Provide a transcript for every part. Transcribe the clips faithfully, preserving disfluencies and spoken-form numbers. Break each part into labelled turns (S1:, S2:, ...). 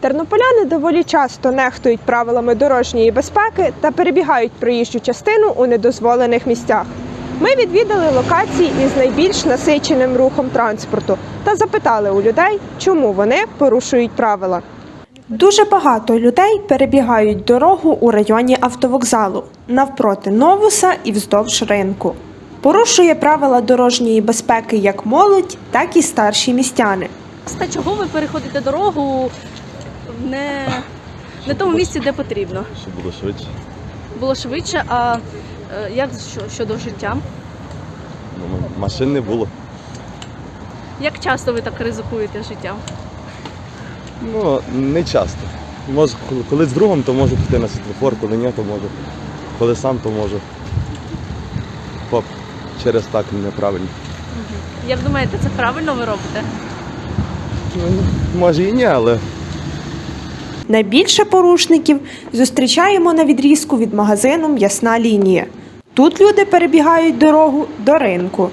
S1: Тернополяни доволі часто нехтують правилами дорожньої безпеки та перебігають проїжджу частину у недозволених місцях. Ми відвідали локації із найбільш насиченим рухом транспорту та запитали у людей, чому вони порушують правила. Дуже багато людей перебігають дорогу у районі автовокзалу, навпроти Новуса і вздовж ринку. Порушує правила дорожньої безпеки як молодь, так і старші містяни.
S2: Та чого ви переходите дорогу не, не тому місці, де потрібно?
S3: Щоб було швидше.
S2: Було швидше, а е, як що, щодо життя?
S3: Ну, машин не було.
S2: Як часто ви так ризикуєте життям?
S3: Ну, не часто. Може, коли- коли з другом, то можу піти на світлофор, коли ні, то можу. Коли сам, то можу. Поп, через так неправильно.
S2: Як думаєте, це правильно ви робите?
S3: Ну, може і ні, але
S1: Найбільше порушників зустрічаємо на відрізку від магазину «М'ясна лінія». Тут люди перебігають дорогу до ринку.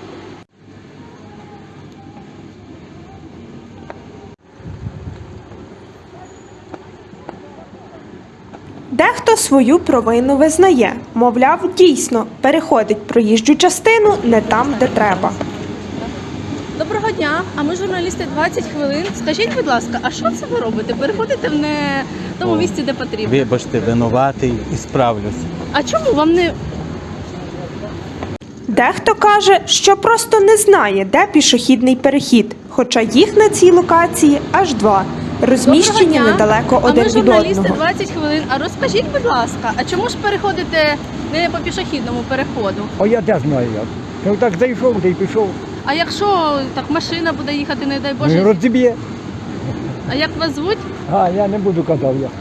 S1: Дехто свою провину визнає, мовляв, дійсно переходить проїжджу частину не там, де треба.
S2: Доброго дня, а ми журналісти двадцять хвилин. Скажіть, будь ласка, а що це ви робите? Переходите в не тому місці, де потрібно?
S4: Вибачте, винуватий і справлюся.
S2: А чому вам не...
S1: Дехто каже, що просто не знає, де пішохідний перехід, хоча їх на цій локації аж два, розміщені
S2: Доброго дня.
S1: недалеко
S2: А
S1: один
S2: ми
S1: від
S2: журналісти
S1: одного.
S2: двадцять хвилин. А розкажіть, будь ласка, а чому ж переходите не по пішохідному переходу?
S5: А я де знаю як. Ну так зайшов, де й пішов.
S2: А якщо так машина буде їхати, не дай
S5: Ну,
S2: Боже,
S5: розіб'є.
S2: а як вас звуть?
S5: А, я не буду казав я.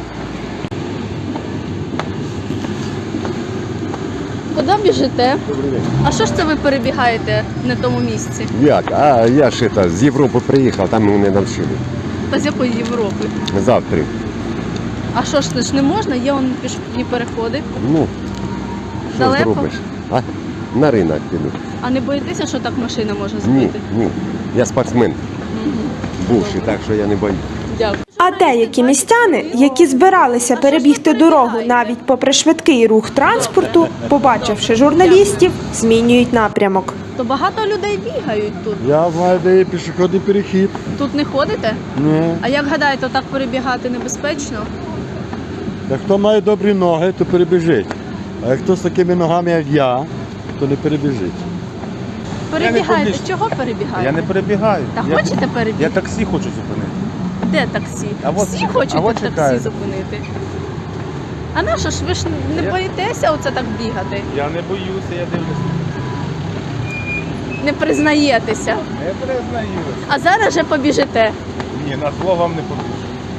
S2: Куди біжите? А що ж це ви перебігаєте не в тому місці?
S6: Як? А я ж это, з Європи приїхав, там мене навчили.
S2: Та з якої Європи?
S6: Завтра.
S2: А що ж це ж не можна? Є он пішохідні переходи.
S6: Ну, що
S2: Далеко?
S6: зробиш? А? На ринок піду.
S2: А не боїтеся, що так машина може
S6: Ні,
S2: збити?
S6: ні. Я спортсмен. Бувший, так що я не боюсь.
S2: Дякую.
S1: А деякі містяни, які збиралися перебігти дорогу навіть попри швидкий рух транспорту, побачивши журналістів, змінюють напрямок.
S2: То багато людей бігають тут.
S7: Я знаю, де є пішохідний перехід.
S2: Тут не ходите?
S7: Ні.
S2: А як гадаєте, так перебігати небезпечно?
S7: Як хто має добрі ноги, то перебіжить. А як хто з такими ногами, як я, то не перебіжить.
S2: Перебігаєте.
S4: поміж-
S2: Чого перебігаєте?
S4: Я не перебігаю.
S2: Та
S4: я,
S2: хочете перебігти?
S4: я таксі хочу зупинити.
S2: Де таксі?
S4: А от-
S2: Всі хочуть
S4: а от
S2: таксі
S4: чекаю.
S2: зупинити. А на що ж ви ж не
S4: Я-
S2: боїтеся оце так бігати?
S4: Я не боюся, я дивлюся.
S2: Не признаєтеся.
S4: Не признаюся.
S2: А зараз же побіжите.
S4: Ні, на зло вам не побіжу.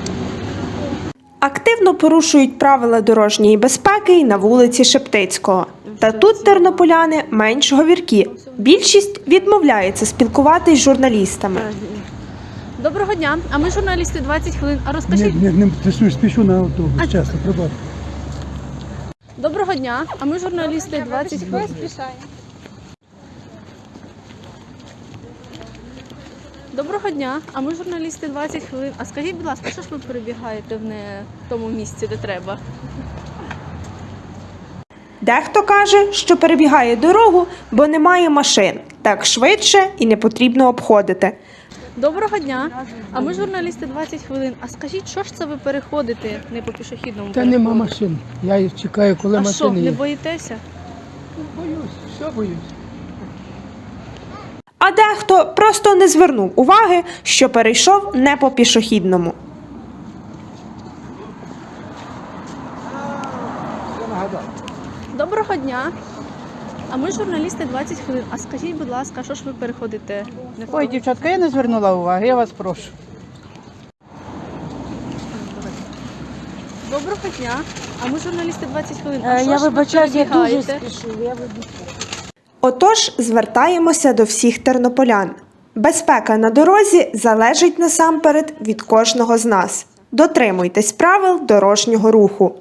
S1: Активно порушують правила дорожньої безпеки й на вулиці Шептицького. Та тут тернополяни менш говіркі. Більшість відмовляється спілкуватись з журналістами.
S2: Доброго дня, а ми журналісти двадцять хвилин. А розкажіть.
S5: Не, не, не спішу на автобус,
S2: А-
S5: чесно, пробачте.
S2: Доброго дня, а ми журналісти двадцять хвилин. Доброго дня, а ми журналісти двадцять хвилин. А скажіть, будь ласка, що ж ви перебігаєте в не тому місці, де треба?
S1: Дехто каже, що перебігає дорогу, бо немає машин. Так швидше і не потрібно обходити.
S2: Доброго дня, а ми журналісти двадцять хвилин. А скажіть, що ж це ви переходите не по пішохідному
S5: Та
S2: переходу?
S5: нема машин. Я їх чекаю, коли
S2: А що,
S5: машини
S2: не
S5: є.
S2: боїтеся?
S5: Боюсь, все боюсь.
S1: А дехто просто не звернув уваги, що перейшов не по пішохідному.
S2: Доброго дня. А ми журналісти двадцять хвилин. А скажіть, будь ласка, що ж ви переходите не в
S8: Ой,
S2: тому?
S8: дівчатка, я не звернула уваги, я вас прошу.
S2: Доброго дня. А ми журналісти двадцять хвилин. А
S8: Е,
S2: що
S8: я
S2: ж ви
S8: вибачаюсь, я дуже
S2: перебігаєте?
S8: спішу. Я вибачаюсь.
S1: Отож, звертаємося до всіх тернополян. Безпека на дорозі залежить насамперед від кожного з нас. Дотримуйтесь правил дорожнього руху.